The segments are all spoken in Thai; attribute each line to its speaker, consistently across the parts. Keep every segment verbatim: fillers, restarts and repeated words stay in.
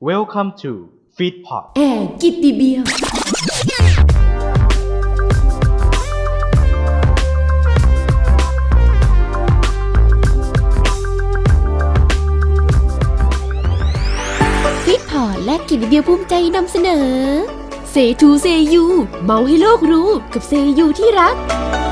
Speaker 1: Welcome to Feedpot
Speaker 2: แอร์กิตติเบียวฟิตพอร์ตและกิตติเบียวภูมิใจนำเสนอเซทูเซยูเมาให้โลกรู้กับเซยูที่รัก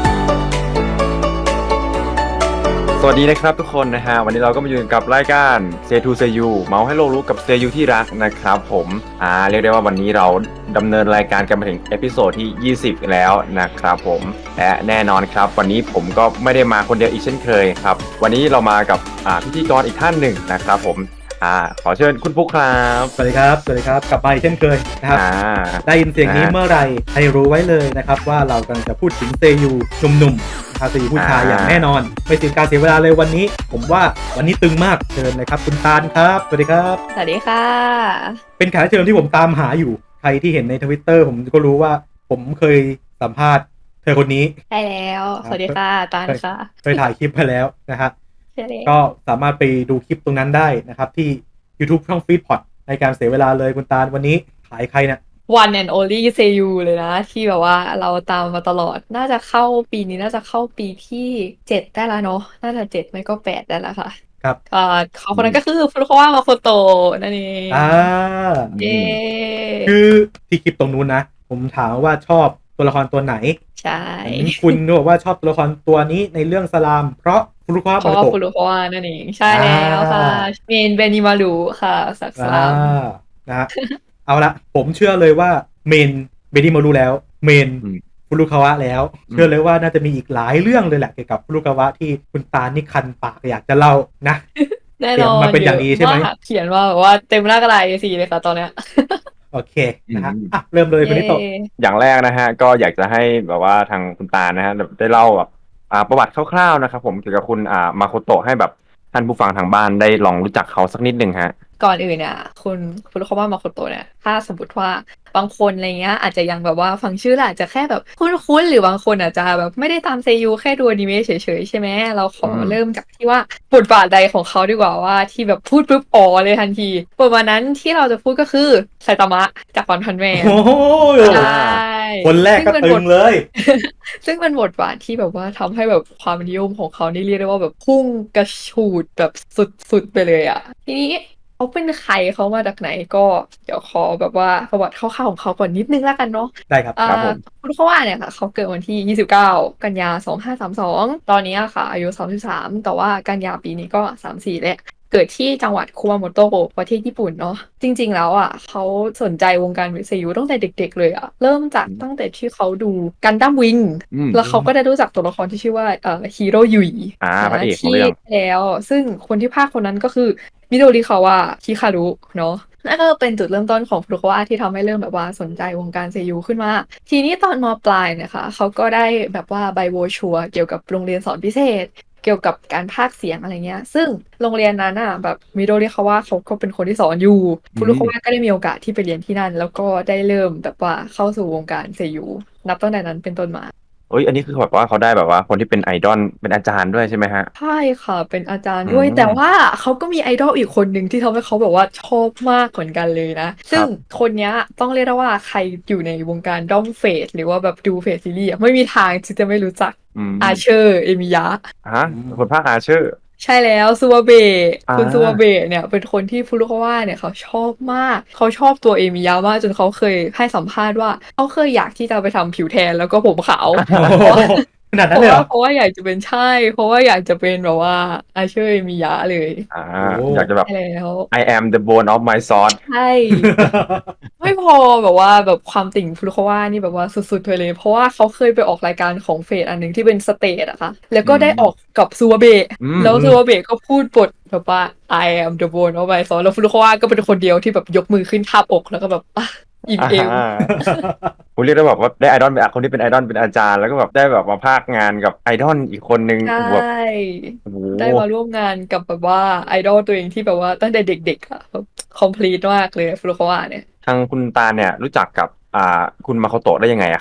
Speaker 3: สวัสดีนะครับทุกคนนะฮะวันนี้เราก็มาอยู่กับรายการเซทูเซยูเมาให้โลกรู้กับเซยูที่รักนะครับผมอ่าเรียกได้ว่าวันนี้เราดำเนินรายการกันมาถึงเอพิโซดที่ยี่สิบแล้วนะครับผมและแน่นอนครับวันนี้ผมก็ไม่ได้มาคนเดียวอีกเช่นเคยครับวันนี้เรามากับอ่าพิธีกรอีกท่านหนึ่งนะครับผมอ่าขอเชิญคุณปุ๊กครับ
Speaker 4: สวัสดีครับสวัสดีครับกลับมาอีกเช่นเคยนะครับ
Speaker 3: อ่า
Speaker 4: ได้ยินเสียงนี้เมื่อไหร่ให้รู้ไว้เลยนะครับว่าเรากำลังจะพูดถึงเซยูหนุ่มๆนะครับเซยูผู้ชายอย่างแน่นอนไม่เสียการเสียเวลาเลยวันนี้ผมว่าวันนี้ตึงมากเชิญเลยครับคุณตาลครับสวัสดีครับ
Speaker 2: สวัสดีค่ะ
Speaker 4: เป็นแขกรับเชิญที่ผมตามหาอยู่ใครที่เห็นใน Twitter ผมก็รู้ว่าผมเคยสัมภาษณ์เธอคนนี้
Speaker 2: ใช่แล้วสวัสดีค่ะตาลค่ะ
Speaker 4: เคยถ่ายคลิปไปแล้วนะฮะก็สามารถไปดูคลิปตรงนั้นได้นะครับที่ YouTube ช่อง Feedpot ในการเสียเวลาเลยคุณตาลวันนี้ขายใครเนี่ย
Speaker 5: One and only เซยูเลยนะที่แบบว่าเราตามมาตลอดน่าจะเข้าปีนี้น่าจะเข้าปีที่เจ็ดได้แล้วเนาะน่าจะเจ็ดไม่ก็แปดได้แล้วค่ะ
Speaker 4: ครับ
Speaker 5: อ่าเขาคนนั้นก็คือฟุรุคาวะมาโคโตะนั่นเอง
Speaker 4: อ่า
Speaker 5: เย้
Speaker 4: คือที่คลิปตรงนู้นนะผมถามว่าชอบตัวละครตัวไหน
Speaker 5: ใช่
Speaker 4: คุณบอกว่าชอบตัวละครตัวนี้ในเรื่องสลามเพราะฟุรุคาวะ
Speaker 5: เพราะว่าฟุรุคาวะนั่นเองใช่แล้วค่ะเมนเบนิมารุค่ะสักสลาม
Speaker 4: นะฮะเอาละผมเชื่อเลยว่าเมนเบนิมารุแล้วเมนฟุรุคาวะแล้วเชื่อเลยว่าน่าจะมีอีกหลายเรื่องเลยแหละเกี่ยวกับฟุรุคาวะที่คุณตานี่คันปากอยากจะเล่านะ
Speaker 5: แน่นอน
Speaker 4: มาเป็นอย่างนี้ใช่ไหม
Speaker 5: เขียนว่าแบบว่าเต็มหน้ากระดาษ เอ โฟร์ เลยค่ะตอนเนี้ย
Speaker 4: โอเคนะฮะอ่ะเริ่มเลยคุณนิโตะ
Speaker 3: อย่างแรกนะฮะก็อยากจะให้แบบว่าทางคุณตานะฮะได้เล่าแบบอ่าประวัติคร่าวๆนะครับผมเกี่ยวกับคุณอ่ามาโคโตะให้แบบท่านผู้ฟังทางบ้านได้ลองรู้จักเขาสักนิดหนึ่งฮะ
Speaker 5: ก่อนอื่นเนี่ยคุณฟุรุคาวะมาโคโตะเนี่ยถ้าสมมติว่าบางคนอะไรเงี้ยอาจจะยังแบบว่าฟังชื่อแล้วอาจจะแค่แบบคุ้นๆหรือบางคนอาจจะแบบไม่ได้ตามเซยูแค่ดูอนิเมะเฉยๆใช่ไหมเราขอเริ่มจากที่ว่าบทบาทใดของเขาดีกว่าว่าที่แบบพูดปุ๊บอ๋อเลยทันทีบทบาทนั้นที่เราจะพูดก็คือไซตามะจากวันพันแมน
Speaker 4: โอ้ยคนแรกก็ตึงเลย
Speaker 5: ซึ่งเป็นบทบาทที่แบบว่าทำให้แบบความนิยมของเขานี่เรียกได้ว่าแบบพุ่งกระฉูดแบบสุดๆไปเลยอ่ะทีนี้เขาเป็นใครเขามาจากไหนก็เดี๋ยวขอแบบว่าประวัติคร่าวๆของเขาก่อนนิดนึงแล้วกันเนาะ
Speaker 4: ได้ครับ
Speaker 3: ครับผม
Speaker 5: ฟุรุคาวะเนี่ยค่ะเขาเกิดวันที่ยี่สิบเก้ากันยาสองพันห้าร้อยสามสิบสองตอนนี้ค่ะอายุสามสิบสามแต่ว่ากันยาปีนี้ก็สามสิบสี่แล้วเกิดที่จังหวัดคุมาโมโตะประเทศญี่ปุ่นเนาะจริงๆแล้วอ่ะเขาสนใจวงการเซยูตั้งแต่เด็กๆเลยอ่ะเริ่มจากตั้งแต่ที่เขาดูกันดั้มวิงแล้วเขาก็ได้รู้จักตัวละครที่ชื่อว่าเอ่อฮีโร่ยุย
Speaker 3: อ่าพระเอกของ
Speaker 5: ที่
Speaker 3: เรื่อง
Speaker 5: แล้วซึ่งคนที่พากย์คนนั้นก็คือมิโดริคาวะคิคารุเนาะนั่นก็เป็นจุดเริ่มต้นของฟุรุคาวะที่ทำให้เริ่มแบบว่าสนใจวงการเซยูขึ้นมาทีนี้ตอนม.ปลายเนี่ยค่ะเขาก็ได้แบบว่าใบโบชัวเกี่ยวกับโรงเรียนสอนพิเศษเกี่ยวกับการพากย์เสียงอะไรเงี้ยซึ่งโรงเรียนนั้นอ่ะแบบมิโดริคาวะเขาก็เป็นคนที่สอนอยู่ฟุรุคาวะก็ได้มีโอกาสที่ไปเรียนที่นั่นแล้วก็ได้เริ่มแบบว่าเข้าสู่วงการเซยูนับตั้งแต่นั้นเป็นต้นมา
Speaker 3: เอ้ยอันนี้คือแบบว่าเขาได้แบบว่าคนที่เป็นไอดอลเป็นอาจารย์ด้วยใช่ไหมฮะ
Speaker 5: ใช่ค่ะเป็นอาจารย์ด้วยแต่ว่าเขาก็มีไอดอลอีกคนหนึ่งที่ทำให้เขาแบบว่าชอบมากเหมือนกันเลยนะซึ่งคนนี้ต้องเรียกได้ว่าใครอยู่ในวงการด้อมเฟสหรือว่าแบบดูเฟสซีรีส์ไม่มีทางที่จะไม่รู้จักอาเชอร์เอมิยะ
Speaker 3: ฮะคนภาคอาเชอร์
Speaker 5: ใช่แล้วซูวาเบะคุณซูวาเบะเนี่ยเป็นคนที่ฟุรุคาวะเนี่ยเขาชอบมากเขาชอบตัวเอมิยะมากจนเขาเคยให้สัมภาษณ์ว่าเขาเคยอยากที่จะไปทำผิวแทนแล้วก็ผมขาว
Speaker 4: ขนาดนั้นเลยเหรอ
Speaker 5: เพราะว่าอยากจะเป็นใช่เพราะว่าอยากจะเป็นแบบว่าอาเชอร์เอมิยะเลย
Speaker 3: อ่าอยากจะแบบ
Speaker 5: แล้ว
Speaker 3: I am the bone of my sword
Speaker 5: ใช่ไม่พอแบบว่าแบบความติ่งฟุรุคาวะนี่แบบว่าสุดๆไปเลยเพราะว่าเขาเคยไปออกรายการของเฟสอันหนึ่งที่เป็นสเตจอะค่ะแล้วก็ได้ออกกับซูวาเบะแล้วซูวาเบะก็พูดบทแบบว่า I am the bone of my sword แล้วฟุรุคาวะก็เป็นคนเดียวที่แบบยกมือขึ้นทาบอกแล้วก็แบบอิ่มเอม
Speaker 3: ผมเรียกได้แบบว่าได้ไอดอลเป็นคนที่เป็นไอดอลเป็นอาจารย์แล้วก็แบบได้แบบมาพากงานกับไอดอลอีกคนนึง
Speaker 5: ใช่
Speaker 3: แบบ
Speaker 5: ได้มาร่วมงานกับแบบว่าไอดอลตัวเองที่แบบว่าตั้งแต่เด็กๆอะแบบคอมพลีทมากเลยฟุรุคาวะเนี่ย
Speaker 3: ทางคุณตาเนี่ยรู้จักกับอ่าคุณมาโคโตะได้ยังไงอะครับ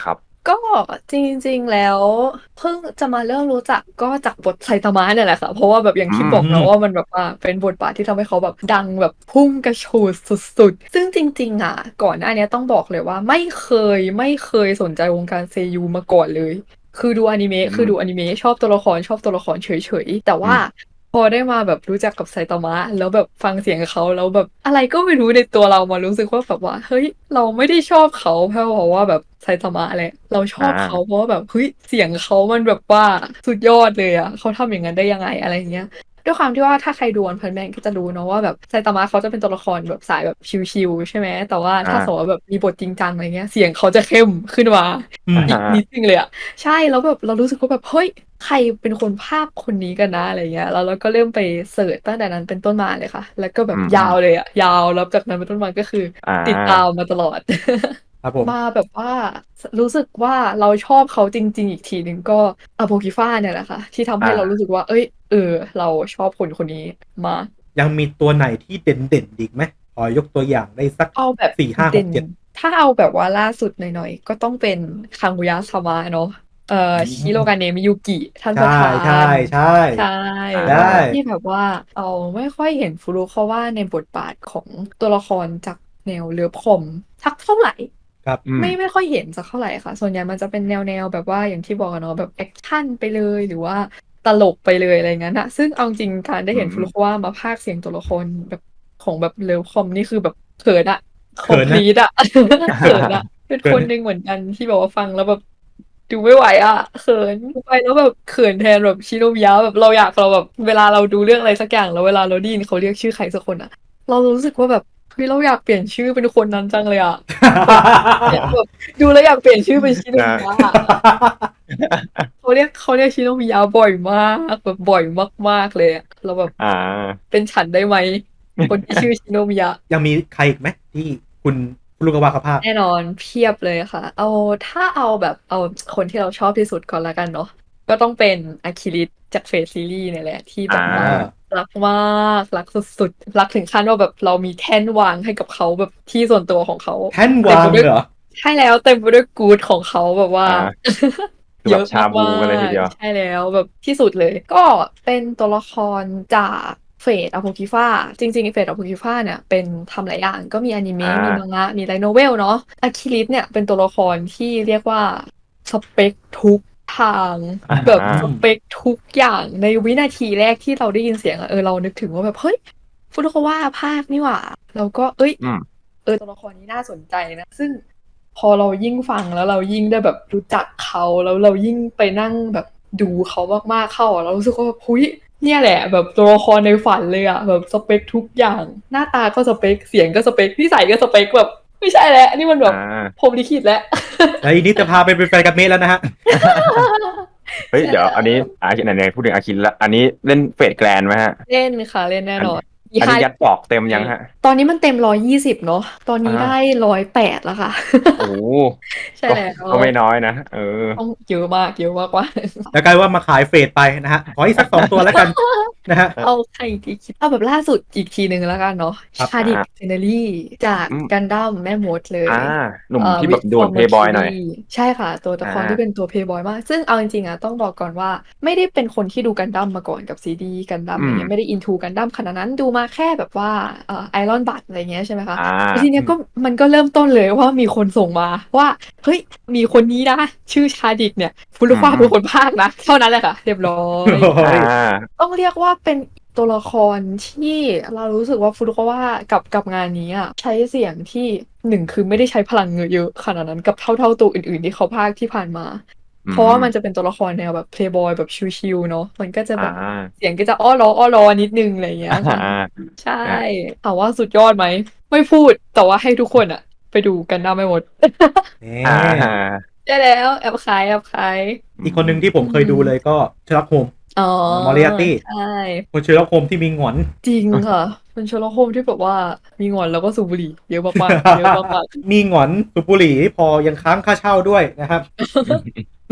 Speaker 5: ก็จริงๆแล้วเพิ่งจะมาเริ่มรู้จักก็จากบทไซตามะเนี่ยแหละค่ะเพราะว่าแบบอย่างที่บอกเนาะว่ามันแบบว่าเป็นบทบาทที่ทำให้เขาแบบดังแบบพุ่งกระฉูดสุดๆซึ่งจริงๆอ่ะก่อนหน้านี้ต้องบอกเลยว่าไม่เคยไม่เคยสนใจวงการเซยูมาก่อนเลยคือดูอนิเมะคือดูอนิเมะชอบตัวละครชอบตัวละครเฉยๆแต่ว่าพอได้มาแบบรู้จักกับไซตามะแล้วแบบฟังเสียงเขาแล้วแบบอะไรก็ไม่รู้ในตัวเรามารู้สึกว่าแบบว่าเฮ้ยเราไม่ได้ชอบเขาเพราะว่าแบบไซตามะแหละเราชอบเขาเพราะว่าแบบเฮ้ยเสียงเขามันแบบว่าสุดยอดเลยอ่ะเขาทำอย่างนั้นได้ยังไงอะไรเงี้ยด้วยความที่ว่าถ้าใครดูวันพันแมนก็จะรู้เนาะว่าแบบไซตามะเขาจะเป็นตัวละครแบบสายแบบชิลๆใช่ไหมแต่ว่าถ้าสมมติว่าแบบมีบทจริงจังอะไรเงี้ยเสียงเขาจะเข้มขึ้นมา
Speaker 4: อืม
Speaker 5: อีกนิดนึงเลยอะใช่แล้วแบบเรารู้สึกว่าแบบเฮ้ยใครเป็นคนพากย์คนนี้กันนะอะไรเงี้ยแล้วเราก็เริ่มไปเสิร์ชตั้งแต่นั้นเป็นต้นมาเลยค่ะแล้วก็แบบยาวเลยอะยาวแล้วจากนั้นเป็นต้นมาก็คือ
Speaker 3: อ่า
Speaker 5: ติดตามมาตลอด
Speaker 4: ครับผม
Speaker 5: มาแบบว่ารู้สึกว่าเราชอบเขาจริงๆอีกทีหนึ่งก็อโปกิฟ้าเนี่ยแหละค่ะที่ทำให้เรารู้สึกว่าเอ้ยเออเราชอบคนคนนี้มา
Speaker 4: ยังมีตัวไหนที่เด่นเด่นอีกไหมขอยกตัวอย่างได้สัก
Speaker 5: เอาแบบ
Speaker 4: สี่ห้าห
Speaker 5: เด่น
Speaker 4: กเจ็ด
Speaker 5: ถ้าเอาแบบว่าล่าสุดหน่อยๆก็ต้องเป็นคังกุยะซามะเนาะเอ่อชิโรกาเนะมิยุกิท่านประ
Speaker 4: ใช่
Speaker 5: ธา
Speaker 4: ใช่
Speaker 5: น
Speaker 4: ใช่
Speaker 5: ใช่
Speaker 3: ได้
Speaker 5: ที่แบบว่าเอาไม่ค่อยเห็นฟุรุเขาว่าในบทบาทของตัวละครจากแนวเลิฟคอมสักเท่าไหร่
Speaker 4: ครับ
Speaker 3: อืม
Speaker 5: ไม่ไม่ค่อยเห็นสักเท่าไหร่ค่ะส่วนใหญ่มันจะเป็นแนวแนวแบบว่าอย่างที่บอกอะเนาะแบบแอคชั่นไปเลยหรือว่าตลกไปเลยอะไรงั้นอะซึ่งเอาจริงการได้เห็น
Speaker 3: อืม
Speaker 5: ฟุรุคาวะมาพากย์เสียงตัวละครแบบของแบบเลิฟคอมนี่คือแบบเขินอะคอม
Speaker 4: เขินนะ
Speaker 5: พลีทอะ เขินอะเป็น
Speaker 4: เขิน
Speaker 5: คนหนึ่งเหมือนกันที่แบบว่าฟังแล้วแบบดูไม่ไหวอะเขินไปแล้วแบบเขินแทนแบบชิโนมิยะแบบเราอยากเราแบบเวลาเราดูเรื่องอะไรสักอย่างแล้วเวลาเราได้ยินเขาเรียกชื่อใครสักคนอะเรารู้สึกว่าแบบเฮ้ยเราอยากเปลี่ยนชื่อเป็นคนนั้นจังเลยอะ เนี่ยแบบดูแล้วอยากเปลี่ยนชื่อเป็นชิโนมิยะอะเขาเรียกเขาเรียกชิโนมิยะบ่อยมากแบบบ่อยมากๆเลยอะเราแบบ
Speaker 3: อ่า
Speaker 5: เป็นฉันได้ไหมคนที่ชื่อชิโนมิยะ
Speaker 4: ยังมีใครอีกไหมที่คุณฟุรุกาวะเขาพากย์
Speaker 5: แน่นอนเพียบเลยค่ะ เอาถ้าเอาแบบเอาคนที่เราชอบที่สุดก่อนละกันเนาะก็ต้องเป็นอาคิริจากเฟซซีรีส์เนี่ยแหละที่แบ
Speaker 3: อ่า
Speaker 5: บว่ารักมากรักสุดๆรักถึงขั้นว่าแบบเรามีแท่นวางให้กับเขาแบบที่ส่วนตัวของเขา
Speaker 4: แท่น
Speaker 5: เต็ม
Speaker 4: วา
Speaker 5: ไป
Speaker 4: ง
Speaker 5: ด้วย
Speaker 4: เหรอ
Speaker 5: ใช่แล้วเต็มไปด้วยกู๊ดของเขาแบบว่า
Speaker 3: อ่า คือ
Speaker 5: เย
Speaker 3: แบบ
Speaker 5: อะ
Speaker 3: ชาบู
Speaker 5: มา
Speaker 3: กันเลยที
Speaker 5: ก
Speaker 3: เดียว
Speaker 5: ๆใช่แล้วแบบที่สุดเลย ก็เป็นตัวละครจากเฟดอโ o กิฟ้าจริงๆเฟดอโ o กิฟ้าเนี่ยเป็นทำหลายอย่างก็มีอนิเมะมี
Speaker 3: อ่า
Speaker 5: มังงะมีไลท์โนเวลเนาะอาคิริสเนี่ยเป็นตัวละครที่เรียกว่าสเปคทุกทาง
Speaker 3: อ่า
Speaker 5: แบบสเปคทุกอย่างในวินาทีแรกที่เราได้ยินเสียงอะเออเรานึกถึงว่าแบบเฮ้ยฟุรุคาวะภาคนี่หว่าเราก็เอ้ย
Speaker 3: อืม
Speaker 5: เออตัวละครนี้น่าสนใจนะซึ่งพอเรายิ่งฟังแล้วเรายิ่งได้แบบรู้จักเขาแล้วเรายิ่งไปนั่งแบบดูเขามากๆเข้าอะเรารู้สึกว่าแบบหุยเนี่ยแหละแบบตัวละครในฝันเลยอะแบบสเปคทุกอย่างหน้าตาก็สเปคเสียงก็สเปคนิสัยก็สเปคแบบไม่ใช่แล้วนี่มันแบบ
Speaker 3: อ่า
Speaker 5: พรหมลิขิตแล้ว
Speaker 4: แล้วอีนี้จะพาไปเป็นแฟนกับเมย์แล้วนะฮะ
Speaker 3: เฮ้ย
Speaker 5: ใช่
Speaker 3: เดี๋ยว
Speaker 5: แล้ว
Speaker 3: อันนี้อาคิไหนๆพูดถึงอาคินละอันนี้เล่นเฟดแกรนด์ไหมฮะ
Speaker 5: เล่นค่ะเล่นแน่นอน
Speaker 3: อันนี้ยัดปอกเต็มยังฮะ
Speaker 5: ตอนนี้มันเต็มร้อยยี่สิบเนาะตอนนี้
Speaker 3: อ่า
Speaker 5: ได้ร้อยแปดแล้วค่ะ
Speaker 3: โอ้โห
Speaker 5: ใช่
Speaker 3: ก็
Speaker 5: แล้ว
Speaker 3: ก็ไม่น้อยนะ เออ
Speaker 5: ต้องเยอะมากเยอะมากว่า
Speaker 4: แล้วกลายว่ามาขายเฟดไปนะฮะ ขออีกสักสองตัวแล้วกันนะฮะ
Speaker 5: เอาใครดีคิดเอาแบบล่าสุดอีกทีหนึ่งแล้วกันเนาะ
Speaker 4: ครับ
Speaker 5: ชาดิกเซเนรี่จาก
Speaker 3: อืม
Speaker 5: กันดั้มแม่มดเลย
Speaker 3: อ่า หนุ่ม
Speaker 5: เอ่อ
Speaker 3: ที่
Speaker 5: วิ
Speaker 3: แบบ
Speaker 5: ท
Speaker 3: โด
Speaker 5: ฟอน ร์
Speaker 3: เพ
Speaker 5: มา
Speaker 3: ย์บอย
Speaker 5: คิ
Speaker 3: หน่อย
Speaker 5: รีใช่ค่ะ ตัวละคร
Speaker 3: อ่า
Speaker 5: ที่เป็นตัวเพย์บอยมาก ซึ่งเอาจริงๆอ่ะต้องบอกก่อนว่าไม่ได้เป็นคนที่ดูกันดั้มมาก่อนกับซีดีกันดั้ม
Speaker 3: อื
Speaker 5: อะไร
Speaker 3: ม
Speaker 5: เงี้ยไม่ได้อินทูกันดั้มขนาดนั้นดูมาแค่แบบว่าเอ่อไอรอนบัตอะไรเงี้ยใช่ไหมคะ
Speaker 3: อ่า
Speaker 5: แล้วทีเนี้ยก็มันก็เริ่มต้นเลยว่ามีคนส่งมาว่าเฮ้ยมีคนนี้นะชื่อชาดิกเนี่ยฟุรุฟ้า
Speaker 3: อืม
Speaker 5: เป็นคนพากย์นะเท่านั้นแหละค่ะเรียบร้อย
Speaker 4: โอ้ย
Speaker 3: อ่า
Speaker 5: ต้องเรียกว่าเป็นตัวละครที่เรารู้สึกว่าฟุรุคาวะกับกับงานนี้อ่ะใช้เสียงที่หนึ่งคือไม่ได้ใช้พลังเยอะขนาดนั้นกับเท่าเท่าตัวอื่นๆที่เขาพากย์ที่ผ่านมา
Speaker 3: อืม
Speaker 5: เพราะว่ามันจะเป็นตัวละครแนวแบบเพลย์บอยแบบชิลๆเนาะมันก็จะแบบ
Speaker 3: อ่า
Speaker 5: เสียงก็จะอ้อล้ออ้อล้อนิดนึงอะไรอย่างเงี้ยค่ะ
Speaker 3: อ่า
Speaker 5: ใช่ถามว่าสุดยอดไหมไม่พูดแต่ว่าให้ทุกคนอะไปดูกันได้ไม่หมด
Speaker 4: นี่
Speaker 3: อ่า
Speaker 5: ได้แล้วแอบขายแอบขาย
Speaker 4: อีกคนหนึ่งที่ผมเคยดูเลยก็เชอร์ล็อกโฮม
Speaker 5: อ๋อ
Speaker 4: มอริอาร์ตี้
Speaker 5: ใช่
Speaker 4: คนเชอร์ล็อกโฮมที่มีหงอน
Speaker 5: จริงค่ะเป็นเชอร์ล็อกโฮมส์ที่แบบว่ามีหงอนแล้วก็สูบบุหรี่เยอะมากๆเยอะมาก
Speaker 4: มีหงอนสูบบุหรี่พอยังค้างค่าเช่าด้วยนะครับ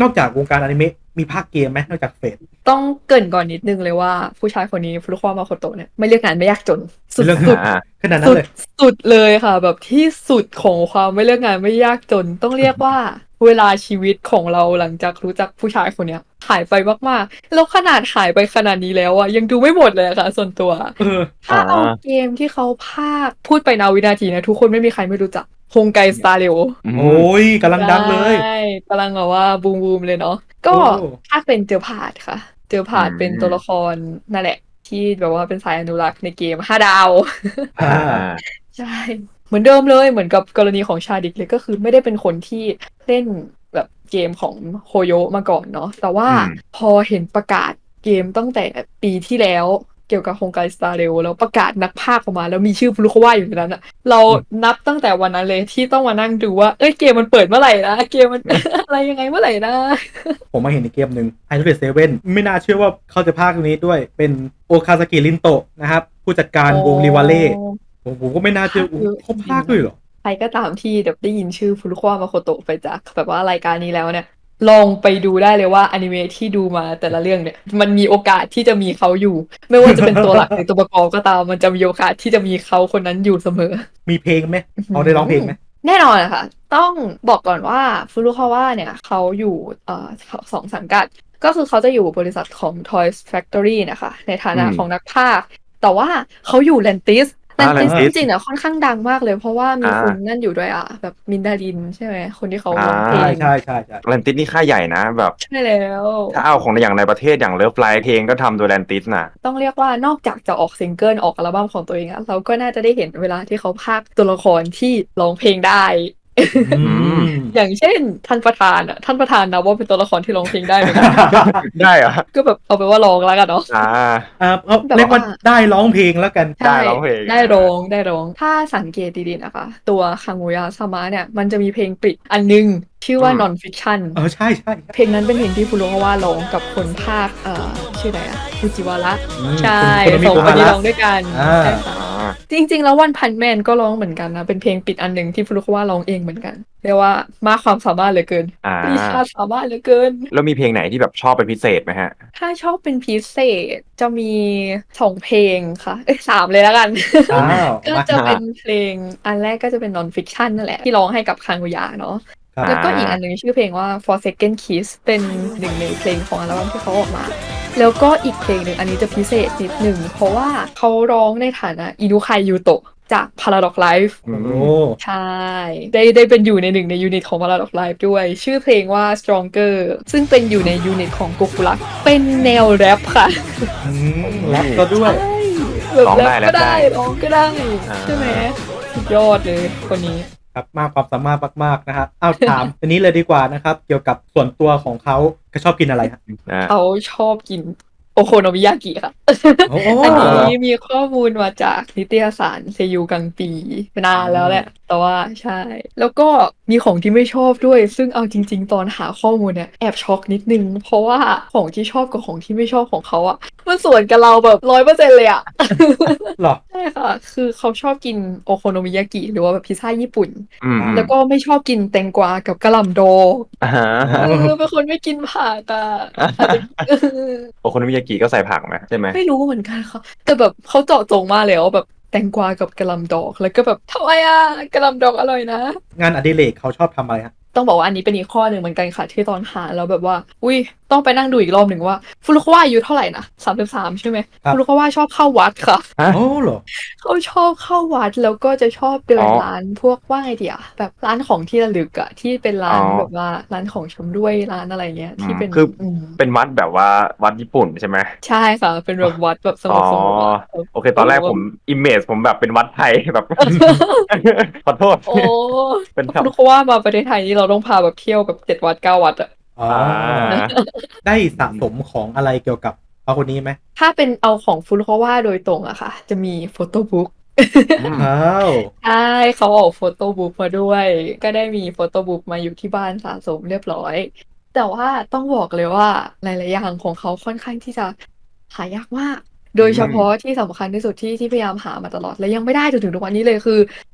Speaker 4: นอกจากวงการอนิเมะมีภาคเกมไหมนอกจากเฟส
Speaker 5: ต้องเกริ่นก่อนนิดนึงเลยว่าผู้ชายคนนี้ฟุรุคาวะมาโคโตะเนี่ยไม่เลือกงานไม่ยากจนสุด
Speaker 4: เรื่อง
Speaker 5: สุด
Speaker 3: อ่า
Speaker 4: ขนาดนั้
Speaker 5: สุ
Speaker 4: น
Speaker 5: ด
Speaker 4: เลย
Speaker 5: สุดเลยค่ะ แบบที่สุดของความไม่เลือกงานไม่ยากจน ต้องเรียกว่าเวลาชีวิตของเราหลังจากรู้จักผู้ชายคนเนี้ยหายไปมากๆแล้วขนาดหายไปขนาดนี้แล้วอะยังดูไม่หมดเลยอะค่ะ ส่วนตัว
Speaker 4: เออ
Speaker 5: ถ้าเอาเกมที่เขาพากย์พูดไปนาวินาทีนะทุกคนไม่มีใครไม่รู้จักฮงไกสตาร์เรโอ
Speaker 3: อืม
Speaker 4: โอ้ยกำลังดังเลย
Speaker 5: ใช่กำลังแบบว่าบูมบูมเลยเนาะก็
Speaker 4: โอ้
Speaker 5: ภาคเป็นเจอพาดค่ะ เจอพาด
Speaker 3: อืม
Speaker 5: เป็นตัวละครนั่นแหละ ที่แบบว่าเป็นสายอนุรักษ์ในเกมห้าดาว
Speaker 3: อ่า
Speaker 5: ใช่ เหมือนเดิมเลยเหมือนกับกรณีของชาดิกเลยก็คือไม่ได้เป็นคนที่เล่นแบบเกมของโฮโยมาก่อนเนาะแต่ว่า
Speaker 3: อืม
Speaker 5: พอเห็นประกาศเกมตั้งแต่ปีที่แล้วเกี่ยวกับโฮงไกสตาร์เรลแล้วประกาศนักพากย์ออกมา แล้วมีชื่อฟุรุคาวะอยู่ในนั้นอะเรานับตั้งแต่วันนั้นเลยที่ต้องมานั่งดูว่าเอ้ยเกมมันเปิดเมื่อไหร่นะเกมมัน อะไรยังไงเมื่อไหร่นะ
Speaker 4: ผมมาเห็นในเกมหนึ่งไฮทูเดเซเว่นไม่น่าเชื่อว่าเขาจะพากย์ตรงนี้ด้วยเป็นโอคาซากิรินโตะนะครับผู้จัดการวงริวาเล่ผมผมก็ไม่น่าเชื่อ
Speaker 5: พากย์เยอะ
Speaker 4: เขาพากย์ด้วยเหรอ
Speaker 5: ใครก็ตามที่แบบได้ยินชื่อฟุรุคาวะมาโคโตะไปจากแบบว่ารายการนี้แล้วเนี่ย ลองไปดูได้เลยว่าอนิเมะที่ดูมาแต่ละเรื่องเนี่ยมันมีโอกาสที่จะมีเขาอยู่ ไม่ว่าจะเป็นตัวหลักหรือตัวประกอบก็ตามมันจะมีโอกาสที่จะมีเขาคนนั้นอยู่เสมอ
Speaker 4: มีเพลงไหมเขาได้ร้องเพลงไหม
Speaker 5: แน่นอนค่ะ ต้องบอกก่อนว่าฟุรุคาวะเนี่ยเขาอยู่เอ่อสองสังกัด ก็คือเขาจะอยู่บริษัทของ Toys Factory นะคะ ในฐานะ
Speaker 3: อืม
Speaker 5: ของนักพากย์แต่ว่าเขาอยู่แลนติสแล
Speaker 3: อ่าน
Speaker 5: ติส
Speaker 3: Lantis
Speaker 5: จริงๆเนี่ยค่อนข้างดังมากเลย เพราะว่ามี
Speaker 3: อ่า
Speaker 5: คนนั่นอยู่ด้วยอ่ะ แบบมินดารินใช่ไหมคนที่เขา
Speaker 3: อ่า
Speaker 5: ร้องเพล
Speaker 4: ใช่
Speaker 5: ง
Speaker 4: ใช่ใช่ใช่
Speaker 3: แลนติสนี่ค่ายใหญ่นะแบบ
Speaker 5: ใช่แล้ว
Speaker 3: ถ้าเอาของอย่างในประเทศอย่างเลิฟไลท์เพลงก็ทำโดยแลนติสน่ะ
Speaker 5: ต้องเรียกว่านอกจากจะออกซิงเกิลออกอัลบั้มของตัวเองอะเราก็น่าจะได้เห็นเวลาที่เขาพากย์ตัวละครที่ร้องเพลงได้
Speaker 4: อืม
Speaker 5: อย่างเช่นท่านประธานอะท่านประธานนะว่าเป็นตัวละครที่ร้องเพลงได้เหมือนกัน
Speaker 3: ได้เหรอ
Speaker 5: ก็แบบเอาไปนว่าร้องแล้วกันเนาะ
Speaker 3: อ่า
Speaker 4: อ่าเอา
Speaker 5: แบบว่า
Speaker 4: เรียกว่าได้ร้องเพลงแล้วกัน
Speaker 3: ได้ร้องเพลง
Speaker 5: ได้ร้องได้ร้อง ถ้าสังเกตดีๆนะคะ ตัวคังโงยาซามะเนี่ยมันจะมีเพลงปิดอันนึง ชื่อว่า
Speaker 3: อืม
Speaker 5: non fiction
Speaker 4: เออใช่ใช่
Speaker 5: เพลงนั้นเป็นเพลงที่ฟุรุคาวะร้องกับคนภาคเอ่อชื่ออะไรอะฟูจิวาระ
Speaker 4: อืม
Speaker 5: ใช่
Speaker 4: คุณ
Speaker 5: สอง
Speaker 4: คุ
Speaker 5: คน
Speaker 4: ณ
Speaker 5: นี้
Speaker 4: โกฮาระ
Speaker 5: ร้องด้วยกัน
Speaker 4: อ่า
Speaker 5: ใช่ค่ะ
Speaker 3: อ่า
Speaker 5: จริงๆ แล้ววันพันแมนก็ร้องเหมือนกันนะ เป็นเพลงปิดอันหนึ่งที่ฟุรุคาวะร้องเองเหมือนกันเรียกว่ามากความสามารถเหลือเกิน
Speaker 3: อ่า
Speaker 5: วิชาสามารถเหลือเกิน
Speaker 3: แล้วมีเพลงไหนที่แบบชอบเป็นพิเศษไหมฮะ
Speaker 5: ถ้าชอบเป็นพิเศษจะมีสองเพลงค่ะ เอ้ยสามเลยแล้วกัน
Speaker 4: อ้าว
Speaker 5: ก็
Speaker 4: มา
Speaker 5: จะเป็นเพลงอันแรกก็จะเป็น non fiction นั่นแหละ ที่ร้องให้กับคังโงยาเนาะ
Speaker 4: ครับ
Speaker 5: แล้วก็อีกอันหนึ่งชื่อเพลงว่า for second kiss เป็นหนึ่งในเพลงของอัลบั้มที่เขาออกมา แล้วก็อีกเพลงหนึ่งอันนี้จะพิเศษนิดหนึ่งเพราะว่าเขาร้องในฐานะอินุคายยูโตะจาก Paradox Life
Speaker 4: โอ้โห
Speaker 5: ใช่ ได้ได้เป็นอยู่ในหนึ่งในยูนิตของ Paradox Life ด้วย ชื่อเพลงว่า Stronger ซึ่งเป็นอยู่ในยูนิตของ Gokurak เป็นแนวแรปค่ะ
Speaker 4: อืมแรปก็ด้วย
Speaker 5: ใช่แบบ
Speaker 3: ร้อง
Speaker 5: แร
Speaker 3: ได้
Speaker 5: ป
Speaker 3: แร
Speaker 5: ก็
Speaker 3: ปได้
Speaker 5: ได้ร้องก็ได้
Speaker 3: อ่า
Speaker 5: ใช่ไหมสุดยอดเลยคนนี้
Speaker 4: ครับมากความสามารถมากๆนะฮะเอาถาม อันนี้เลยดีกว่านะครับ เกี่ยวกับส่วนตัวของเขาเขาชอบกินอะไรฮะ
Speaker 3: อ่า
Speaker 5: เขาชอบกินโอโคโนมิยากิค่ะ
Speaker 4: โอ้โห
Speaker 5: อันนี้มีข้อมูลมาจากนิตยสารเซยูกังปีนานแล้วแหละ แต่ว่าใช่ แล้วก็มีของที่ไม่ชอบด้วย ซึ่งเอาจริง ๆ ตอนหาข้อมูลเนี่ยแอบช็อกนิดนึง เพราะว่าของที่ชอบกับของที่ไม่ชอบของเขาอะมันสวนกับเราแบบร้อยเปอร์เซ็นต์เลยอะ
Speaker 4: หรอ
Speaker 5: ใช่ค่ะ คือเขาชอบกินโอโคโนมิยากิหรือว่าแบบพิซซ่าญี่ปุ่น
Speaker 3: อืมอืม
Speaker 5: แล้วก็ไม่ชอบกินแตงกวากับกะหล่ำดอง
Speaker 3: อ่าฮะ
Speaker 4: อ๋อ
Speaker 5: เออเป็นคนไม่กินผักอ่ะอาจจะ
Speaker 3: โอโคโนมิยากิก็ใส่ผักไหมใช่ไหม
Speaker 5: ไม่รู้เหมือนกันค่ะ แต่แบบเขาเจาะจงมากเลยว่าแบบแตงกวากับกะหล่ำดอก แล้วก็แบบทำไมอ่ะกะหล่ำดอกอร่อยนะ
Speaker 4: งานอดิเรกเขาชอบทำอะไรฮะ
Speaker 5: ต้องบอกว่าอันนี้เป็นอีกข้อหนึ่งเหมือนกันค่ะที่ตอนหาแล้วแบบว่า อุ้ยต้องไปนั่งดูอีกรอบหนึ่งว่าฟุรุคาวะอายุเท่าไหร่นะสามสิบสามใช่ไหม
Speaker 4: ครับ
Speaker 5: ฟุรุคาวะชอบเข้าวัดค่ะ
Speaker 3: ฮะ
Speaker 4: โอ้เหรอ
Speaker 5: เขาชอบเข้าวัดแล้วก็จะชอบเดิน
Speaker 3: อ๋อ
Speaker 5: ร้านพวกว่าไงเดียแบบร้านของที่ระลึกอะที่เป็นร้าน
Speaker 3: อ๋อ
Speaker 5: แบบว่าร้านของชำร่วยร้านอะไรเงี้ยที่เป็น
Speaker 3: คือ
Speaker 5: อืม
Speaker 3: เป็นวัดแบบว่าวัดญี่ปุ่นใช่ไหม
Speaker 5: ใช่ค่ะ เป็นแบบวัดแบบสง
Speaker 3: อ๋อบ
Speaker 5: สงบอะ
Speaker 3: โอเค ตอนแรกผมอิมเมจผมแบบเป็นวัดไทยแบบ ขอโทษ
Speaker 5: โอ้
Speaker 3: เป็นแถว
Speaker 5: ฟุรุคาวะมาประเทศไทยนี่เราต้องพาแบบเที่ยวแบบเจ็ดวัดเก้าวัดอะ
Speaker 4: อ๋อ
Speaker 3: อ่า
Speaker 4: ได้สะสมของอะไรเกี่ยวกับเขาคนนี้ไหม
Speaker 5: ถ้าเป็นเอาของฟุรุคาวะโดยตรงอะค่ะ จะมีโฟโต้บุ๊ก
Speaker 3: อืม
Speaker 4: อ้าว
Speaker 5: ใช่เขาออกโฟโต้บุ๊กมาด้วย ก็ได้มีโฟโต้บุ๊กมาอยู่ที่บ้านสะสมเรียบร้อย แต่ว่าต้องบอกเลยว่าหลายๆอย่างของเขาค่อนข้างที่จะหายากมาก โดยเฉพาะที่สำคัญที่สุดที่ที่พยายามหามาตลอด และยังไม่ได้จนถึงทุกวันนี้เลยคือ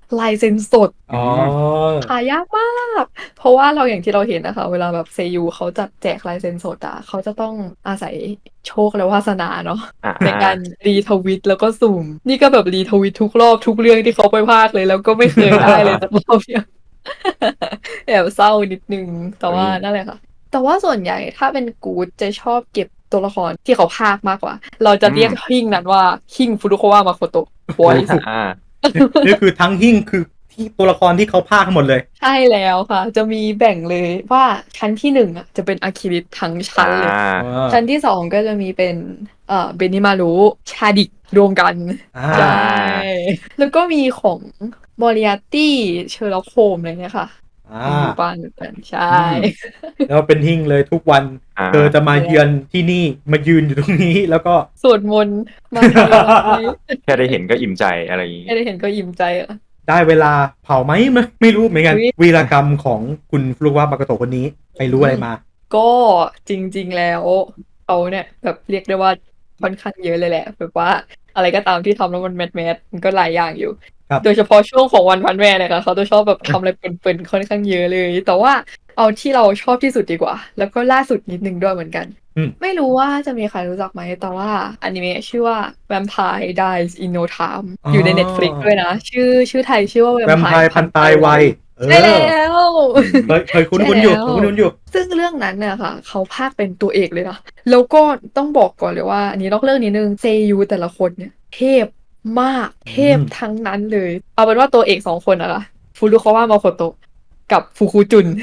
Speaker 5: ลายเซ็นสด
Speaker 4: อ๋อ
Speaker 5: หายากมาก เพราะว่าเราอย่างที่เราเห็นนะคะ เวลาแบบเซยูเขาจัดแจกลายเซ็นสดอ่ะเขาจะต้องอาศัยโชคและวาสนาเนาะ
Speaker 3: อ่า
Speaker 5: ในการรีทวิตแล้วก็สุ่ม นี่ก็แบบรีทวิตทุกรอบทุกเรื่องที่เขาไปพากย์เลย แล้วก็ไม่เคยได้เลยสักรอบเดียว แอบเศร้านิดนึง แต่ว่านั่นแหละค่ะ แต่ว่าส่วนใหญ่ถ้าเป็นกู๊ดจะชอบเก็บตัวละครที่เขาพากย์มากกว่า เราจะเรียกหิ้งนั้นว่าหิ้งฟุรุโควะมาโคโตะ voice
Speaker 3: อ่า
Speaker 4: นี่คือทั้งหิ้งคือที่ตัวละครที่เขาพากย์ทั้งหมดเลย
Speaker 5: ใช่แล้วค่ะ จะมีแบ่งเลยว่าชั้นที่หนึ่งอ่ะจะเป็นอาคิริทั้งชั้นเลย
Speaker 3: อ่า
Speaker 5: ชั้นที่สองก็จะมีเป็นเอ่อเบนิมารุชาดิกรวมกัน
Speaker 4: อ่า
Speaker 5: ใช่ แล้วก็มีของมอริอาตี้เชอร์ล็อกโฮมอะไรเนี่ยค่ะ
Speaker 4: อ่า
Speaker 5: มีอยู่บ้านเหมือนกันใช่
Speaker 4: แล้วเป็นหิ้งเลยทุกวัน
Speaker 3: อ่า
Speaker 4: เธอจะมาเยือนที่นี่มายืนอยู่ตรงนี้แล้วก็
Speaker 5: สวดมนต์มาทำอะไร
Speaker 3: แค่ได้เห็นก็อิ่มใจอะไรอย่างงี้
Speaker 5: ไม่ได้เห็นก็อิ่มใจอ่ะ
Speaker 4: ได้เวลาเผาไหมไม่ไม่รู้เหมือนกัน
Speaker 5: อุ๊ย
Speaker 4: วีรกรรมของคุณฟลุกวะมากโตะคนนี้ไปรู้อะไรมา
Speaker 5: ก็จริง ๆ แล้วเขาเนี่ยแบบเรียกได้ว่าค่อนข้างเยอะเลยแหละแบบว่าอะไรก็ตามที่ทำแล้วมันแมสแมสมันก็หลายอย่างอยู่
Speaker 4: ครับ
Speaker 5: โดยเฉพาะช่วงของวันพันแม่เนี่ยค่ะเขาจะชอบแบบทำอะไรเปิ่นๆค่อนข้างเยอะเลย แต่ว่าเอาที่เราชอบที่สุดดีกว่า แล้วก็ล่าสุดนิดนึงด้วยเหมือนกัน
Speaker 4: อืม
Speaker 5: ไม่รู้ว่าจะมีใครรู้จักไหมแต่ว่าอนิเมะชื่อว่า Vampire Dies in No Time อยู่ใน Netflix ด้วยนะ ชื่อชื่อไทยชื่อว่า
Speaker 4: แวมไพ
Speaker 5: Vampire
Speaker 4: ร์พันตายไวเออ
Speaker 5: ใช่แล้ว
Speaker 4: เคยเคยคุ้นคุ้นๆอยู่
Speaker 5: ใช่แล้ว
Speaker 4: คุ้นคุ้นๆอยู่
Speaker 5: ซึ่งเรื่องนั้นเนี่ยค่ะ เขาพากย์เป็นตัวเอกเลยนะ แล้วก็ต้องบอกก่อนเลยว่า อันนี้นอกเรื่องนิดนึงเซยูแต่ละคนเนี่ย เทพมากเทพ
Speaker 4: อืม
Speaker 5: ทั้งนั้นเลย เอาเป็นว่าตัวเอกสองคนอะค่ะฟูรุคาวะมาโคโตะกับฟูคุจุน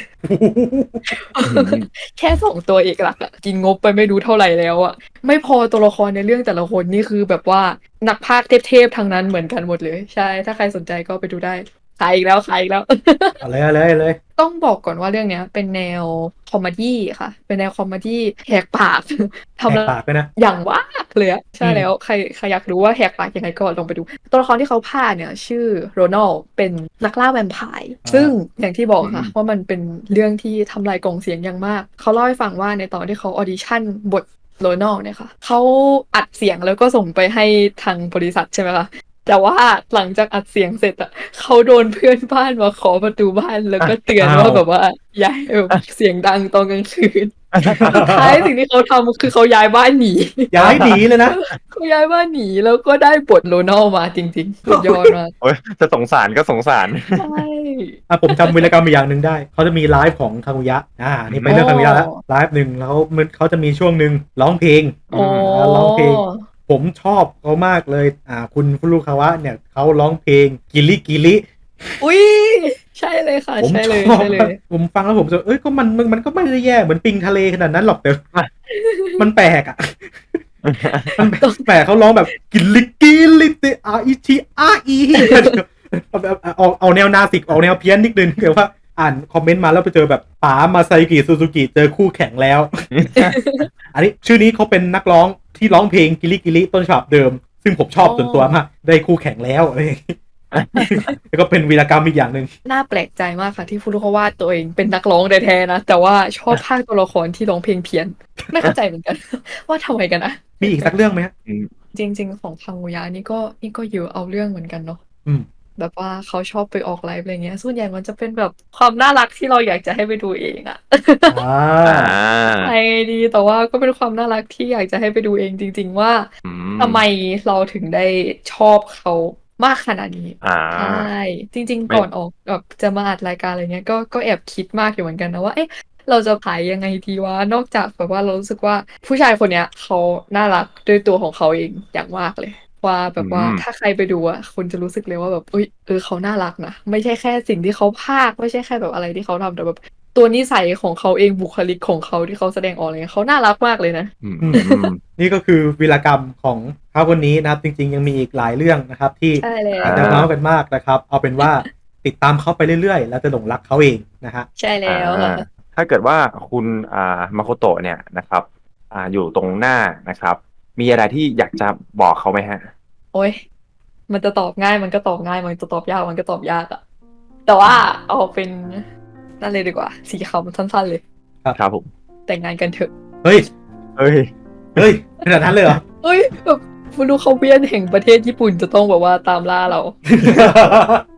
Speaker 5: แค่สองตัวเอกหลักอะกินงบไปไม่รู้เท่าไหร่แล้วอะไม่พอตัวละครในเรื่องแต่ละคนนี่คือแบบว่านักพากย์เทพๆทั้งนั้นเหมือนกันหมดเลย ใช่ ถ้าใครสนใจก็ไปดูได้ขายอีกแล้วขายอีกแล้ว
Speaker 4: เอาเลยเอาเลยเอาเลย
Speaker 5: ต้องบอกก่อนว่าเรื่องเนี้ยเป็นแนวคอมเมดี้ค่ะ เป็นแนวคอมเมดี้แหกปาก
Speaker 4: แห
Speaker 5: ทำ
Speaker 4: ก
Speaker 5: แล้ว
Speaker 4: ปากไปนะ
Speaker 5: อย่างว่ากเลยอะใช่
Speaker 4: อืม
Speaker 5: แล้วใครใครอยากรู้ว่าแหกปากยังไงก็ลองไปดู ตัวละครที่เขาพากย์เนี่ย ชื่อโรนัลเป็นนักล่าแวมไพร์ซึ่งอย่างที่บอกค่ะ ว่ามันเป็นเรื่องที่ทำลายกล่องเสียงอย่างมาก เขาเล่าให้ฟังว่าในตอนที่เขาออดิชั่นบทโรนัลเนี่ยค่ะเขาอัดเสียงแล้วก็ส่งไปให้ทางบริษัทใช่ไหมคะ แต่ว่าหลังจากอัดเสียงเสร็จอะเขาโดนเพื่อนบ้านมาขอประตูบ้านแล้วก็เตือนว่าแบบว่าย้ายแบบเสียงดังตอนกลางคืน สุดท้ายสิ่งที่เขาทำคือเขาย้ายบ้านหนี
Speaker 4: ย้ายหนีเลยนะ
Speaker 5: เขาย้ายบ้านหนีแล้วก็ได้บทโรนัลมาจริงๆสุดยอดมาก
Speaker 3: โอ้ยจะสงสารก็สงสาร
Speaker 5: ใช่
Speaker 4: อ่ะผมจำวีรกรรมอีกอย่างหนึ่งได้ เขาจะมีไลฟ์ของคากุยะอ่านี่ไปเรื่องคากุยะแล้วไลฟ์หนึ่งแล้วมันเขาจะมีช่วงหนึ่งร้องเพลง
Speaker 5: โอ้
Speaker 4: อ่าร้องเพลง ผมชอบเขามากเลย อ่า คุณฟุรุคาวะเนี่ยเขาร้องเพลงกิลิกิลิ
Speaker 5: อุ้ยใช่เลยค่ะ
Speaker 4: ผม
Speaker 5: ใช่
Speaker 4: ช
Speaker 5: เลย
Speaker 4: อบ
Speaker 5: ใช่เลย
Speaker 4: ผมฟังแล้วผมจะเอ้ยก็มันมันมันก็ไม่ได้แย่เหมือนปิงทะเลขนาดนั้นหรอกแต่ มันแปลกอ่ะ มันแปลกเขาร้องแบบกิลิกิลิติอาอิชิอาอีเอาแบบเอาเอาแนวนาสิกออกแนวเพี้ยนนิดนึงเกี่ยวว่าอ่านคอมเมนต์มาแล้วไปเจอแบบป๋ามาไซกิซูซูกิเจอคู่แข่งแล้ว อันนี้ชื่อนี้เขาเป็นนักร้องที่ร้องเพลงกิลิกิลิต้นฉบับเดิม ซึ่งผมชอบส่วนตัวมากได้คู่แข่งแล้วอะไรอย่างงี้ แล้วก็เป็นวีรกรรมอีกอย่างหนึ่ง
Speaker 5: น่าแปลกใจมากค่ะที่ฟูรุคาวะตัวเองเป็นนักร้องแท้ๆนะ แต่ว่าชอบภาคตัวละครที่ร้องเพลงเพี้ยน ไม่เข้าใจเหมือนกัน ว่าทำไมกันนะ
Speaker 4: มีอีกสักเรื่องไหมฮะ
Speaker 5: จริง ๆ ของคังโงยะนี่ก็นี่ก็เยอะเอาเรื่องเหมือนกันเนาะ
Speaker 4: อืม
Speaker 5: แบบว่าเขาชอบไปออกไลฟ์อะไรเงี้ย ส่วนใหญ่มันจะเป็นแบบความน่ารักที่เราอยากจะให้ไปดูเองอะ
Speaker 4: อ่า
Speaker 3: อ่า
Speaker 5: ไอดีแต่ว่าก็เป็นความน่ารักที่อยากจะให้ไปดูเองจริง ๆ ว่า
Speaker 3: อืม
Speaker 5: ทำไมเราถึงได้ชอบเขามากขนาดนี้
Speaker 3: อ่า
Speaker 5: ใช่จริง
Speaker 3: ไม่
Speaker 5: ๆ ก่อนออกแบบจะมาอัดรายการอะไรเงี้ยก็ก็แอบคิดมากอยู่เหมือนกันนะว่าเอ๊ะเราจะขายยังไงดีวะนอกจากแบบว่าเรารู้สึกว่าผู้ชายคนเนี้ยเขาน่ารักด้วยตัวของเขาเองอย่างมากเลย ว่าแบบว่า
Speaker 3: อืม
Speaker 5: ถ้าใครไปดูอ่ะคุณจะรู้สึกเลยว่าแบบเอ้ยเออเขาน่ารักนะไม่ใช่แค่สิ่งที่เขาพากย์ไม่ใช่แค่แบบอะไรที่เขาทำแต่แบบตัวนิสัยของเขาเองบุคลิกของเขาที่เขาแสดงออกอะไรเงี้ยเขาน่ารักมากเลยนะ
Speaker 3: อืม
Speaker 4: อืม นี่ก็คือวีรกรรมของเขาคนนี้นะครับ จริงๆ ยังมีอีกหลายเรื่องนะครับ ที่
Speaker 5: ใช่แล้ว
Speaker 4: อาจจะเมาส์กันมากนะครับ เอาเป็นว่าติดตามเขาไปเรื่อยๆ แล้วจะหลงรักเขาเองนะฮะ
Speaker 5: ใช่แล้วค่ะ
Speaker 3: อ่าถ้าเกิดว่าคุณอ่ามาโคโตะเนี่ยนะครับอ่าอยู่ตรงหน้านะครับ มีอะไรที่อยากจะบอกเขาไหมฮะ
Speaker 5: โอ้ยมันจะตอบง่ายมันก็ตอบง่ายมันจะตอบยากมันก็ตอบยากอะแต่ว่าเอาเป็นนั่นเลยดีกว่าสีขาวมันสั้นๆเลย
Speaker 3: ครับผม
Speaker 5: แต่งงานกันเถอะ
Speaker 4: เฮ้ย
Speaker 3: เอ้ย
Speaker 4: เฮ้ยขนาดนั้นเลยเหรอ
Speaker 5: เฮ้ยแบบฟูรุเขาเวียนแห่งประเทศญี่ปุ่นจะต้องแบบว่าตามล่าเรา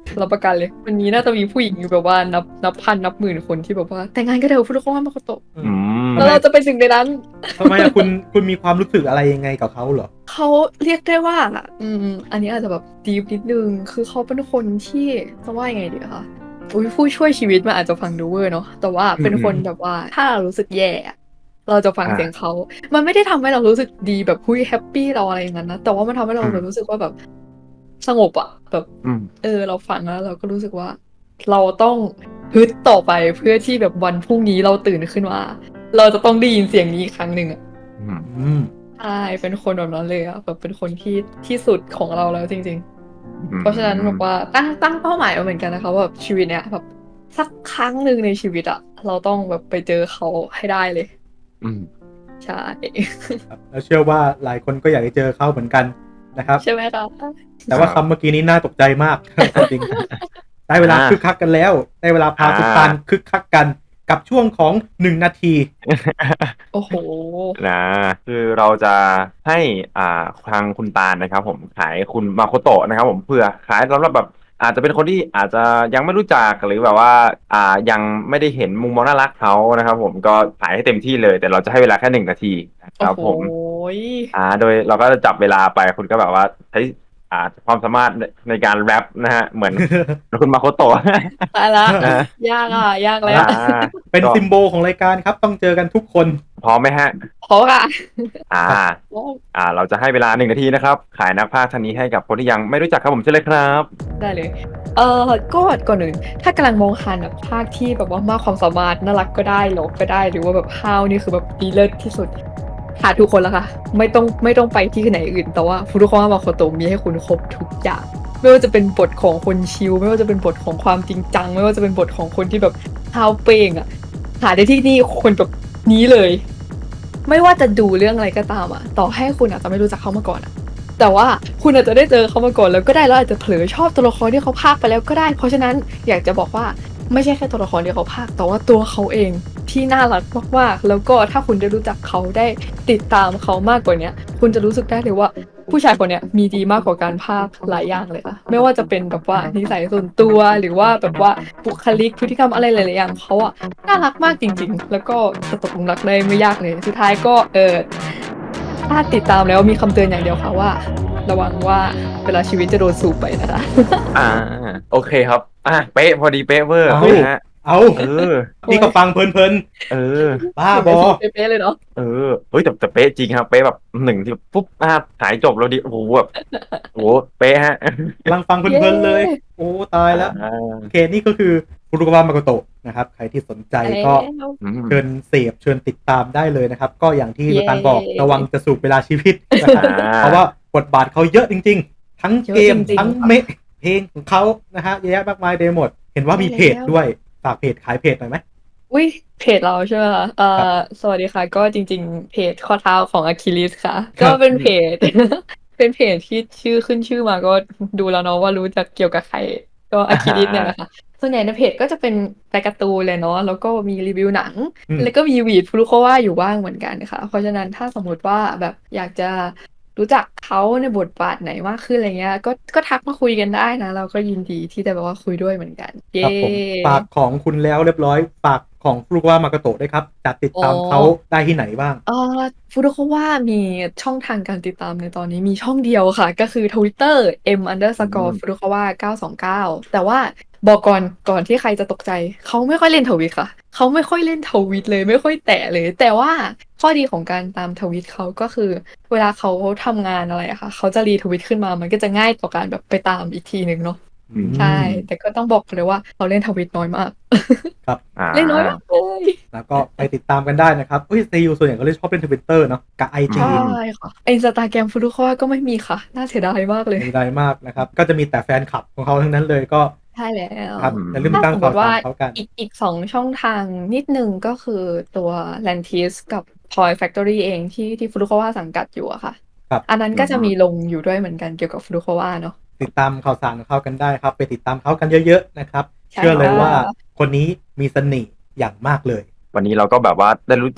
Speaker 5: รับประกันเลยวันนี้น่าจะมีผู้หญิงอยู่แบบว่านับนับพันนับหมื่นคนที่แบบว่าแต่งงานกันเถอะฟุรุโคะมาโคโตะ
Speaker 3: อืม
Speaker 5: แล้วเราจะเป็นหนึ่งในนั้น
Speaker 4: ทำไมอะคุณคุณมีความรู้สึกอะไรยังไงกับเขาเหรอ
Speaker 5: เขาเรียกได้ว่าอืมอันนี้อาจจะแบบดีฟนิดนึงคือเขาเป็นคนที่จะว่ายังไงดีคะอุ้ยผู้ช่วยชีวิตมันอาจจะฟังดูเวอร์เนาะแต่ว่าเป็นคนแบบว่าถ้าเรารู้สึกแย่อะเราจะฟัง
Speaker 3: อ่า
Speaker 5: เสียงเขามันไม่ได้ทำให้เรารู้สึกดีแบบหุ้ยแฮปปี้เราอะไรอย่างนั้นนะแต่ว่ามันทำให้เรา
Speaker 3: อืม
Speaker 5: แบบรู้สึกว่าแบบสงบอะแบบ
Speaker 3: อืม
Speaker 5: เออเราฟังแล้วเราก็รู้สึกว่า เราต้องฮึดต่อไปเพื่อที่แบบวันพรุ่งนี้เราตื่นขึ้นมา เราจะต้องได้ยินเสียงนี้อีกครั้งหนึ่งอะ
Speaker 3: อืม
Speaker 4: อืม
Speaker 5: ใช่เป็นคนแบบนั้นเลยอะแบบเป็นคนที่ที่สุดของเราแล้วจริง ๆ เพราะฉะนั้นแบบว่าตั้งตั้งเป้าหมายมาเหมือนกันนะคะว่าแบบชีวิตเนี้ยแบบสักครั้งหนึ่งในชีวิตอะเราต้องแบบไปเจอเขาให้ได้เลย
Speaker 3: อืม
Speaker 5: ใช่
Speaker 4: ครับแล้วเชื่อว่าหลายคนก็อยากจะเจอเขาเหมือนกันนะครับ
Speaker 5: ใช่ไหมคะ
Speaker 4: แต่ว่า
Speaker 3: ครับ
Speaker 4: คำเมื่อกี้นี้น่าตกใจมาก จริงๆได้เวลา
Speaker 3: อ่า
Speaker 4: คึกคักกันแล้ว ได้เวลาพา
Speaker 3: อ่า
Speaker 4: คุณตาลคึกคักกันกับช่วงของหนึ่งนาที
Speaker 5: โอ้โห
Speaker 3: นะคือเราจะให้อ่าทางคุณตาลนะครับผมขายคุณมาโคโตะนะครับผมเพื่อขายสำหรับแบบอาจจะเป็นคนที่อาจจะยังไม่รู้จักหรือแบบว่าอ่ายังไม่ได้เห็นมุมมองน่ารักเขานะครับผมก็ขายให้เต็มที่เลย แต่เราจะให้เวลาแค่หนึ่งนาทีนะค
Speaker 5: โอ้
Speaker 3: รับ
Speaker 5: โห
Speaker 3: ผมอ่าโดยเราก็จะจับเวลาไปคุณก็แบบว่าใช้อ่าความสามารถในในการแรปนะฮะเหมือนคุณมาโคโตะ
Speaker 5: ตายละ
Speaker 3: นะ
Speaker 5: ยากอ่ะ ยากแล้ว
Speaker 3: อ่า
Speaker 4: เป็น
Speaker 3: ก็
Speaker 4: ซิมโบลของรายการครับต้องเจอกันทุกคน
Speaker 3: พร้อมไหมฮะ
Speaker 5: เพราะค่ะ
Speaker 3: อ่า อ่า เราจะให้เวลาหนึ่งนาทีนะครับ ขายนักพากย์ท่านนี้ให้กับคนที่ยังไม่รู้จักครับผมเชิญเลยครับ
Speaker 5: ได้เลย เออก็ก่อนอื่น ถ้ากำลังมองหาแบบภาคที่แบบว่ามากความสามารถน่ารักก็ได้หลอกก็ได้ หรือว่าแบบฮาวนี่คือแบบดีเลิศที่สุด หาทุกคนแล้วค่ะ ไม่ต้องไม่ต้องไปที่ไหนอื่น แต่ว่าฟุรุโคะมาโคโตะมีให้คุณครบทุกอย่าง ไม่ว่าจะเป็นบทของคนชิล ไม่ว่าจะเป็นบทของความจริงจัง ไม่ว่าจะเป็นบทของคนที่แบบฮาวเปงอะหาได้ที่นี่คนแบบนี้เลย ไม่ว่าจะดูเรื่องอะไรก็ตามอะต่อให้คุณอาจจะไม่รู้จักเขามาก่อนอะแต่ว่าคุณอาจจะได้เจอเขามาก่อนแล้วก็ได้แล้วอาจจะเผลอชอบตัวละครที่เขาพากย์ไปแล้วก็ได้ เพราะฉะนั้นอยากจะบอกว่าไม่ใช่แค่ตัวละครที่เขาพากย์แต่ว่าตัวเขาเองที่น่ารักมากๆแล้วก็ถ้าคุณได้รู้จักเขาได้ติดตามเขามากกว่าเนี้ย คุณจะรู้สึกได้เลยว่า ผู้ชายคนเนี้ยมีดีมากกว่าการพากย์หลายอย่างเลยค่ะไม่ว่าจะเป็นแบบว่านิสัยส่วนตัวหรือว่าแบบว่าบุคลิกพฤติกรรมอะไรหลายๆอย่างเขาอะน่ารักมากจริง ๆ แล้วก็จะตกหลุมรักได้ไม่ยากเลยสุดท้ายก็เออถ้าติดตามแล้วมีคำเตือนอย่างเดียวค่ะว่า ระวังว่าเวลาชีวิตจะโดนสูบไปนะคะ
Speaker 3: อ่า โอเคครับ อ่ะ เป๊ะ พอดีเป๊ะเวอร์
Speaker 4: เอา
Speaker 3: นะฮะ
Speaker 4: เอา
Speaker 3: เออ
Speaker 4: นี่ก็ฟังเพลิน
Speaker 3: เออ
Speaker 4: ๆ บ้าบอ
Speaker 5: เป๊ะๆเลยเนาะ
Speaker 3: เออ เฮ้ยแต่แต่เป๊ะจริงครับ เป๊ะแบบหนึ่งที่ปุ๊บอ่าหายจบแล้วดิ โอ้โหแบบโอ้โห เป๊ะฮะ
Speaker 4: กำลังฟังเพลินๆเลย โอ้ตายแล้ว
Speaker 3: อ่า
Speaker 4: โอเคนี่ก็คือฟุรุโคะมาโกโตะนะครับ ใครที่สนใจก็
Speaker 3: อืม
Speaker 4: เชิญเสพเชิญติดตามได้เลยนะครับ ก็อย่างที่
Speaker 5: เย้
Speaker 4: ลูกตาลบอกระวังจะสูบเวลาชีวิตนะครับ
Speaker 3: อ่า
Speaker 4: เพราะว่าบทบาทเขาเยอะจริง ๆ ทั้งเกม
Speaker 5: เยอะจริงๆ
Speaker 4: ทั้งเมะเพลงของเขานะฮะเยอะแยะมากมายเดหมด เห็นว่ามีเพจด้วยฝากเพจขายเพจหน่อยไหม
Speaker 5: อุ้ยเพจเราใช่ไหมคะเอ่
Speaker 4: ครั
Speaker 5: อบ สวัสดีค่ะ ก็จริงๆ เพจข้อเท้าของอะคิลิสค่ะ
Speaker 4: ครั
Speaker 5: ก็
Speaker 4: บ
Speaker 5: เป็นเพจ เป็นเพจที่ชื่อขึ้นชื่อมาก็ดูแล้วเนาะว่ารู้จักเกี่ยวกับใคร ก็อะคิลิสเนี่ยแหละค่ะ ส่วนใหญ่ในเพจก็จะเป็นรายการ์ตูนเลยเนาะแล้วก็มีรีวิวหนัง
Speaker 4: อืม
Speaker 5: แล้วก็มีวีดฟรุโควะอยู่บ้างเหมือนกันค่ะ เพราะฉะนั้นถ้าสมมติว่าแบบอยากจะรู้จักเขาในบทบาทไหนมากขึ้นอะไรเงี้ย ก็ก็ทักมาคุยกันได้นะ เราก็ยินดีที่จะแบบว่าคุยด้วยเหมือนกัน เย้
Speaker 4: ครับผมฝากของคุณแล้วเรียบร้อยฝากของฟุรุโคะมาโกโตะด้วยครับจะติดตาม
Speaker 5: อ๋อ
Speaker 4: เขาได้ที่ไหนบ้าง
Speaker 5: เอ่อฟูรุโคะว่ามีช่องทางการติดตามในตอนนี้มีช่องเดียวค่ะ ก็คือ Twitter m underscore
Speaker 3: อืม
Speaker 5: ฟูรุโคะเก้าสองเก้าแต่ว่าบอกก่อนก่อนที่ใครจะตกใจ เขาไม่ค่อยเล่นทวิตค่ะ เขาไม่ค่อยเล่นทวิตเลยไม่ค่อยแตะเลย แต่ว่าข้อดีของการตามทวิตเขาก็คือ เวลาเขาทำงานอะไรอะค่ะ เขาจะรีทวิตขึ้นมามันก็จะง่ายต่อการแบบไปตามอีกทีหนึ่งเนาะ
Speaker 4: อืม
Speaker 5: ใช่ แต่ก็ต้องบอกเลยว่าเขาเล่นทวิตน้อยมาก
Speaker 3: อ่า
Speaker 5: เล่นน้อยมากเลย
Speaker 4: แล้วก็ไปติดตามกันได้นะครับเฮ้ยซีอูส่วนใหญ่ก็เลยชอบเล่นทวิตเตอร์เนาะกับไอจี
Speaker 5: ใช่ค่ะอินสตาแกรมฟูรุโคะก็ไม่มีค่ะ น่าเสียดายมากเลย
Speaker 4: มีได้มากนะครับ ก็จะมีแต่แฟนคลับของเขาทั้งนั้นเลยก็
Speaker 5: ใช่แล้ว
Speaker 4: ครับอย่าลืม
Speaker 5: ถ้า
Speaker 4: ตั้ง
Speaker 5: สมม
Speaker 4: ข่าว
Speaker 5: ติว่า
Speaker 4: สารเขากัน
Speaker 5: อีกอีกสองช่องทางนิดนึงก็คือตัว Lantis กับ Toy Factory เองที่ที่ฟุรุโคะวะสังกัดอยู่อะค่ะ
Speaker 4: ครับ
Speaker 5: อันนั้นก็จะมีลงอยู่ด้วยเหมือนกันเกี่ยวกับฟุรุโคะวะเนาะ
Speaker 4: ติดตามข่าวสารของเขากันได้ครับ ไปติดตามเขากันเยอะๆนะครับ
Speaker 5: ใช่
Speaker 4: เชื่อเลย
Speaker 5: ค่ะ
Speaker 4: ว่าคนนี้มีเสน่ห์อย่างมากเลย
Speaker 3: วันนี้เราก็แบบว่าได้รู้จัก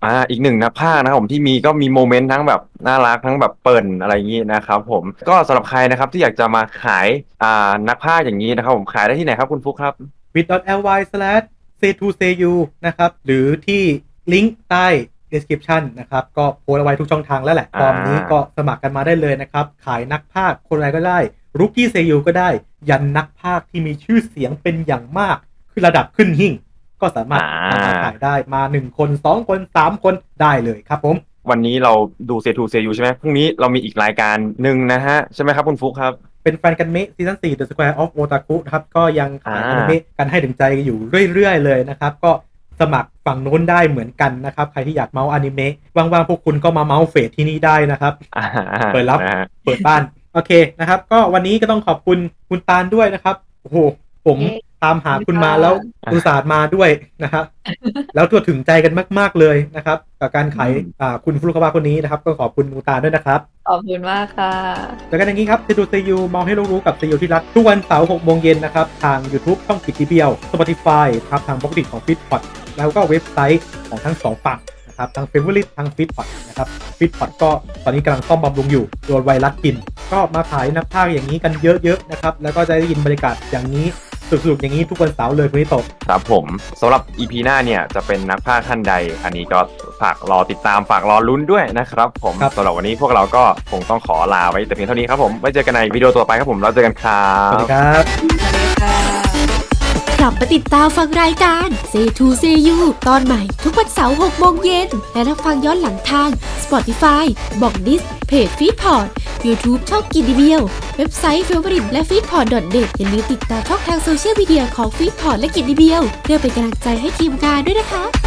Speaker 3: อ่าอีกหนึ่งนักพากย์นะครับผมที่มีก็มีโมเมนต์ทั้งแบบน่ารักทั้งแบบเปิ่นอะไรอย่างนี้นะครับผมก็สำหรับใครนะครับที่อยากจะมาขายอ่านักพากย์อย่างนี้นะครับผมขายได้ที่ไหนครับคุณฟุกครับ
Speaker 4: bit.ly slash say to say you นะครับหรือที่ลิงก์ใต้ description นะครับก็โพสต์เอาไว้ทุกช่องทางแล้วแหละตอนนี้ก็สมัครกันมาได้เลยนะครับขายนักพากย์คนอะไรก็ได้รุกกี้เซยูก็ได้ยันนักพากย์ที่มีชื่อเสียงเป็นอย่างมากคือระดับขึ้นหิ่งก็สามารถนำมาขายได้มาหนึ่งคนสองคนสามคนได้เลยครับผม
Speaker 3: วันนี้เราดูเซทูเซยูใช่ไหมพรุ่งนี้เรามีอีกรายการหนึ่งนะฮะใช่ไหมครับคุณฟุกครับ
Speaker 4: เป็นแฟนกันเมะซีซั่นสี่ The Square of Otaku นะครับก็ยังขายอนิเมะกันให้ถึงใจอยู่เรื่อยๆเลยนะครับก็สมัครฝั่งโน้นได้เหมือนกันนะครับใครที่อยากเมาส์อนิเมะว่างๆพวกคุณก็มาเมาส์เฟสที่นี่ได้นะครับเปิดรับเปิดบ้านโอเคนะครับก็วันนี้ก็ต้องขอบคุณคุณตาลด้วยนะครับโอ้โหผมตามหาคุณมาแล้วอุตส่าห์มาด้วยนะครับแล้วตัวถึงใจกันมากๆเลยนะครับกับการขายคุณฟลุกาวะคนนี้นะครับก็ขอบคุณคุณตาลด้วยนะครับ
Speaker 5: ขอบคุณมากค่ะ
Speaker 4: แล้วกันอย่างนี้ครับเซดูเซยูมองให้รู้กับเซยูที่รักทุกวันเสาร์หกโมงเย็นนะครับทาง YouTube ช่องกิจทีเบียว Spotify ครับทางบล็อกดิของ Feedpot แล้วก็เว็บไซต์ของทั้งสองฝั่งนะครับทาง Favorite ทาง Feedpot นะครับ Feedpot ก็ตอนนี้กำลังซ่อมบำรุงอยู่โดนไวรัสกินก็มาขายนักพากย์อย่างนี้กันเยอะๆนะครับแล้วก็จะได้ยินบรรยากาศอย่างนี้สนุกๆอย่างนี้ทุกวันเสาร์เลยคุณนิโตะ
Speaker 3: ครับผมสำหรับ อี พี หน้าเนี่ยจะเป็นนักพากย์ท่านใดอันนี้ก็ฝากรอติดตามฝากรอลุ้นด้วยนะครับผมสำหรับวันนี้พวกเราก็คงต้องขอลาไว้แต่เพียงเท่านี้ครับผมไว้เจอกันในวิดีโอต่อไปครับผมเราเจอกันครับ
Speaker 4: สวัสดีครับ
Speaker 5: สวัสดีค่ะ
Speaker 2: กลับมาติดตามฟังรายการ Say to Say You ตอนใหม่ทุกวันเสาร์หกโมงเย็นและรับฟังย้อนหลังทาง Spotify บอกดิสเพจ Feedpot YouTube ช่องกินดีเบียวเว็บไซต์ Favorite และ feedpot ดอท เน็ต อย่าลืมติดตามช่องทางโซเชียลมีเดียของ Feedpot และกินดีเบียวเพื่อเป็นกำลังใจให้ทีมงานด้วยนะคะ